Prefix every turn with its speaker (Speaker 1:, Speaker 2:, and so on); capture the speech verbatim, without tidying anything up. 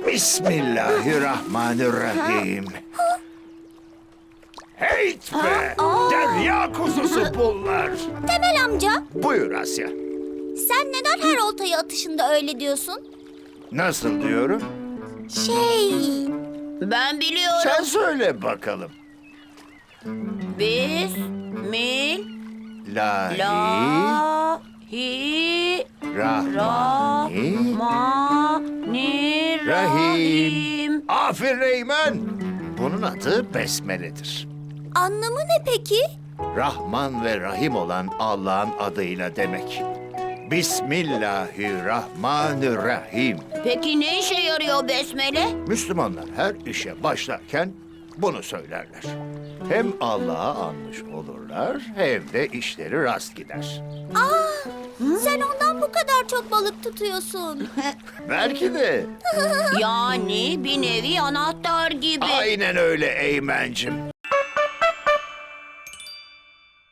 Speaker 1: Bismillahirrahmanirrahim. Heyt be! Derya kuzusu bunlar.
Speaker 2: Temel amca,
Speaker 1: Buyur Asya.
Speaker 2: sen neden her oltayı atışında öyle diyorsun?
Speaker 1: Nasıl diyorum?
Speaker 2: Şey...
Speaker 3: Ben biliyorum.
Speaker 1: Sen söyle bakalım.
Speaker 3: Bismillah.
Speaker 1: Lahi, Rahmani,
Speaker 3: Rahmanirrahim.
Speaker 1: Rahim. Aferin Eymen. Bunun adı Besmele'dir.
Speaker 2: Anlamı ne peki?
Speaker 1: Rahman ve Rahim olan Allah'ın adıyla demek. Bismillahirrahmanirrahim.
Speaker 3: Peki ne işe yarıyor besmele?
Speaker 1: Müslümanlar her işe başlarken bunu söylerler. Hem Allah'a anmış olurlar hem de işleri rast gider.
Speaker 2: Aa, sen ondan bu kadar çok balık tutuyorsun.
Speaker 1: Belki de.
Speaker 3: Yani bir nevi anahtar gibi.
Speaker 1: Aynen öyle Eymen'cim.